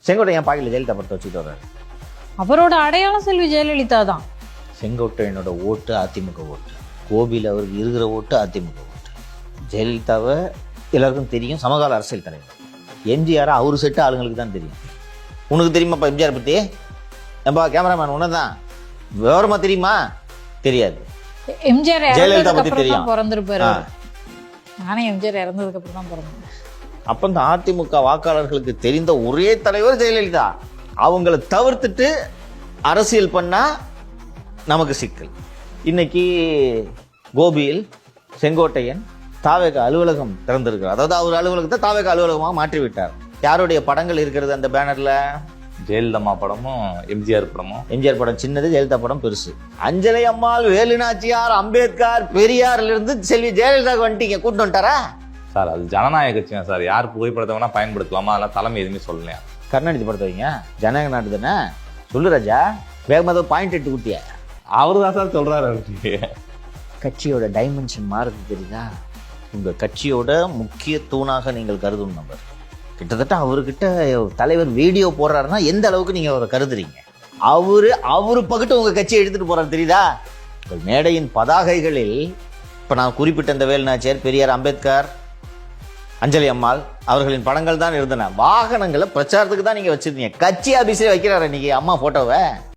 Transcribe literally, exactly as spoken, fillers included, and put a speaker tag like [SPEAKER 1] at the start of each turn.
[SPEAKER 1] செங்கோட்டையன் பாக்கெட்டில் ஜெயலலிதா படத்தை வச்சுட்டு வர்றாரு.
[SPEAKER 2] அவரோட அடையாளம் செல்வி ஜெயலலிதா தான்.
[SPEAKER 1] செங்கோட்டையனோட ஓட்டு அதிமுக ஓட்டு, கோபியில் அவருக்கு இருக்கிற ஓட்டு அதிமுக ஓட்டு. ஜெயலலிதாவை எல்லாருக்கும் தெரியும், சமகால அரசியல் தலைவர். எம்ஜிஆர் அவர் செட்டு ஆளுங்களுக்கு தான் தெரியும். உனக்கு தெரியுமாப்பா எம்ஜிஆர் பற்றி? ஏன்பா கேமராமேன் உன்ன தான் விவரமா தெரியுமா? தெரியாது.
[SPEAKER 2] எம்ஜிஆர்
[SPEAKER 1] ஜெயலலிதா பற்றி தெரியும்.
[SPEAKER 2] பிறந்திருப்பாரு. நானே எம்ஜிஆர் இறந்ததுக்கு அப்புறம் தான் பிறந்தேன்.
[SPEAKER 1] அப்போ இந்த அதிமுக வாக்காளர்களுக்கு தெரிந்த ஒரே தலைவர் ஜெயலலிதா. அவங்கள தவிர்த்துட்டு அரசியல் பண்ணா நமக்கு சிக்கல். இன்னைக்கு கோபியில் செங்கோட்டையன் தாவேக அலுவலகம் திறந்திருக்கிறார். அதாவது அவர் அலுவலகத்தை தாவேக அலுவலகமாக மாற்றிவிட்டார். யாருடைய படங்கள் இருக்கிறது அந்த பேனர்ல?
[SPEAKER 3] ஜெயலலிதா படமும் எம்ஜிஆர் படமும்.
[SPEAKER 1] எம்ஜிஆர் படம் சின்னது, ஜெயலலிதா படம் பெருசு. அஞ்சலை அம்மாள், வேலுநாச்சியார், அம்பேத்கர், பெரியார்ல இருந்து செல்வி ஜெயலலிதா வந்துட்டீங்க, கூட்டு வந்துட்டாரா?
[SPEAKER 3] சார் அது ஜனநாயக கட்சி சார், யார் புகைப்படத்தை வேணா பயன்படுத்தலாமா? அதெல்லாம் தலைமை எதுவுமே சொல்லலையா?
[SPEAKER 1] கருணாநிதி படத்தை வைங்க, ஜனநாயக நாடு தானே. சொல்லு ராஜா, வேகமாக பாயிண்ட் எட்டு குட்டிய
[SPEAKER 3] அவரு தான் சார் சொல்றாரு.
[SPEAKER 1] கட்சியோட டைமென்ஷன் மாறுது தெரியுதா? உங்க கட்சியோட முக்கிய தூணாக நீங்கள் கருதும் நபர் கிட்டத்தட்ட அவர்கிட்ட தலைவர் வீடியோ போடுறாருன்னா எந்த அளவுக்கு நீங்க அவரை கருதுறீங்க? அவரு அவரு பக்கத்து உங்க கட்சியை எடுத்துட்டு போறாரு தெரியுதா? உங்கள் மேடையின் பதாகைகளில் இப்ப நான் குறிப்பிட்ட இந்த வேலுநாச்சியார், பெரியார், அம்பேத்கர், அஞ்சலி அம்மாள் அவர்களின் படங்கள் தான் இருந்தன. வாகனங்களை பிரச்சாரத்துக்கு தான் நீங்க வச்சிருந்தீங்க. கட்சி ஆபீஸே வைக்கிறாரு இன்னைக்கு அம்மா போட்டோவை.